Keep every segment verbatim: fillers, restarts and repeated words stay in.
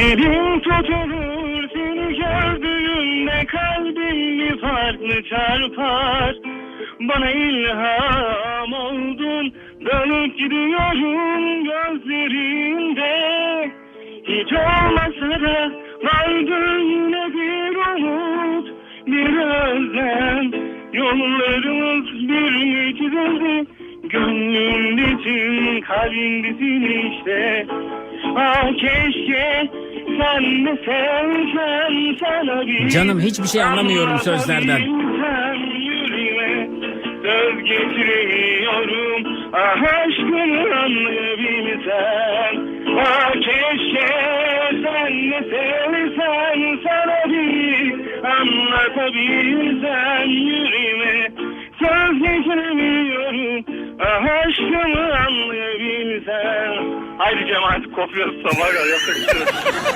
Elim tutulur seni gördüğümde, kalbim bir farklı çarpar. Bana ilham oldun, dalıp gidiyorum gözlerinde. Hiç olmasa da vardır yine bir umut, bir özlem. Yollarımız bir geçirdi, gönlümdesin, kalbimdesin işte. Ah keşke sen de sevsen, sana bir... Canım hiçbir şey anlamıyorum sözlerden. Yüreğime söz getiremiyorum, ah aşkını anlayabilsen. Ah keşke sen de sevsen, sana bir anlatabilsen. Yüreğime söz getiremiyorum, ah aşkını anlayabilsen. Haydi cemaat kopuyoruz sabah kadar yapacağız.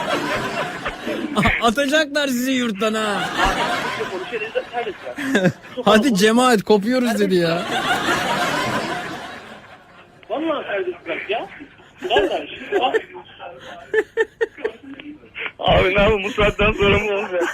Atacaklar sizi yurttan ha. Hadi cemaat kopuyoruz dedi ya. Vallahi serbest bırak ya. Vallahi şimdi bak. Abi ne yapayım, bu saatten sonra mı olacak?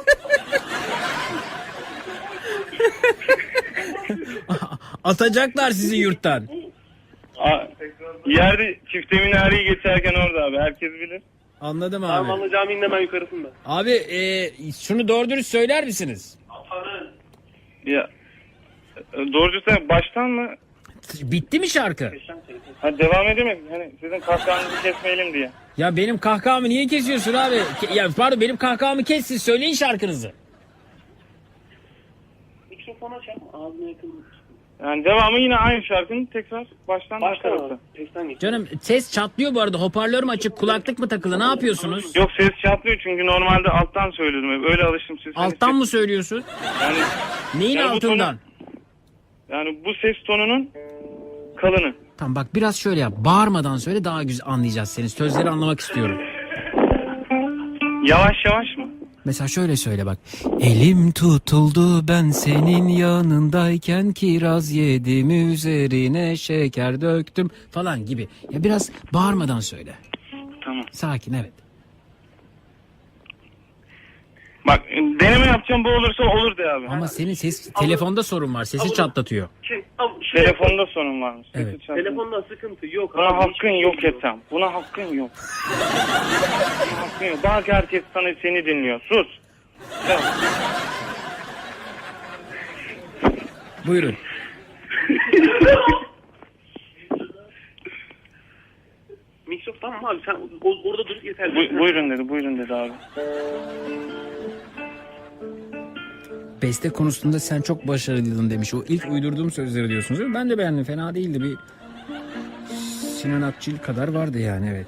Atacaklar sizi yurttan. Aa, yerde çifte minareyi geçerken orada abi, herkes bilir. Anladım abi. Armanlı Camii'nin hemen yukarısında. Abi e, şunu doğru dürüst söyler misiniz? Ya doğrucu sen baştan mı? Bitti mi şarkı? Ha, devam edemedim. Hani sizin kahkahanızı kesmeyelim diye. Ya benim kahkahamı niye kesiyorsun abi? Ke- Ya pardon, benim kahkahamı kes, siz söyleyin şarkınızı. Mikrofonu aç ama ağzına yakın. Yani devamı yine aynı şarkının tekrar baştan Baştan başlarsa. abi. Testten geç. Canım ses çatlıyor bu arada. Hoparlörüm açık, kulaklık mı takılı, ne yapıyorsunuz? Yok, ses çatlıyor çünkü normalde alttan söylüyordum hep. Öyle alıştım siz. Alttan mı söylüyorsun? Yani, Neyin yani bu altından? tonu- yani bu ses tonunun kalını. Tamam bak, biraz şöyle yap. Bağırmadan söyle, daha güzel anlayacağız seni. Sözleri anlamak istiyorum. Yavaş yavaş mı? Mesela şöyle söyle bak. Elim tutuldu ben senin yanındayken, kiraz yedim üzerine şeker döktüm falan gibi. Ya biraz bağırmadan söyle. Tamam. Sakin, evet. Bak deneme yapacağım, bu olursa olur de abi. Ama senin ses telefonda sorun var. Sesi çatlatıyor. Şey, abi, şuraya- Telefonda sorun varmış. Evet. Sesi çarpıyor. Telefonda sıkıntı yok. Buna abi, hakkın hiçbir yok şey Ethem. Buna hakkın yok. Buna hakkın yok. Bak herkes sana seni dinliyor. Sus. Tamam. Buyurun. Mikrofon tamam abi, sen o- orada dur yeter. Bu, buyurun dedi, buyurun dedi abi. Beste konusunda sen çok başarılıydın demiş. O ilk uydurduğum sözleri diyorsunuz değil mi? Ben de beğendim. Fena değildi. Bir Sinan Akçıl kadar vardı yani, evet.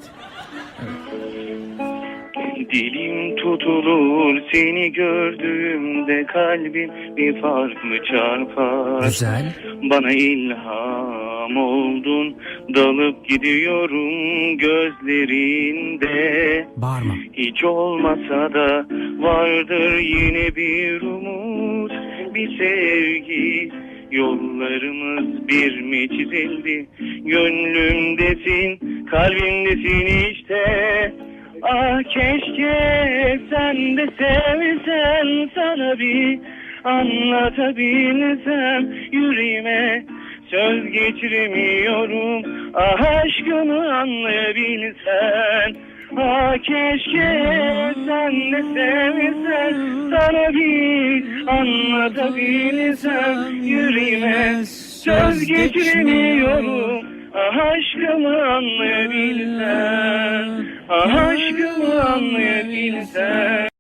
Dilim tutulur seni gördüğümde, kalbim bir farklı çarpar. Güzel. Bana ilham oldun, dalıp gidiyorum gözlerinde. Bağırma. Hiç olmasa da vardır yine bir umut, bir sevgi. Yollarımız bir mi çizildi, gönlümdesin, kalbimdesin işte. Ah keşke sen de sevsen, sana bir anlatabilsem. Yüreğime söz geçiremiyorum, ah aşkını anlayabilsen. Ah keşke sen de sevsen, sana bir anlatabilsem. Yüreğime söz geçiremiyorum, ah aşkımı anlayabilsen. Ah aşkımı anlayabilsen.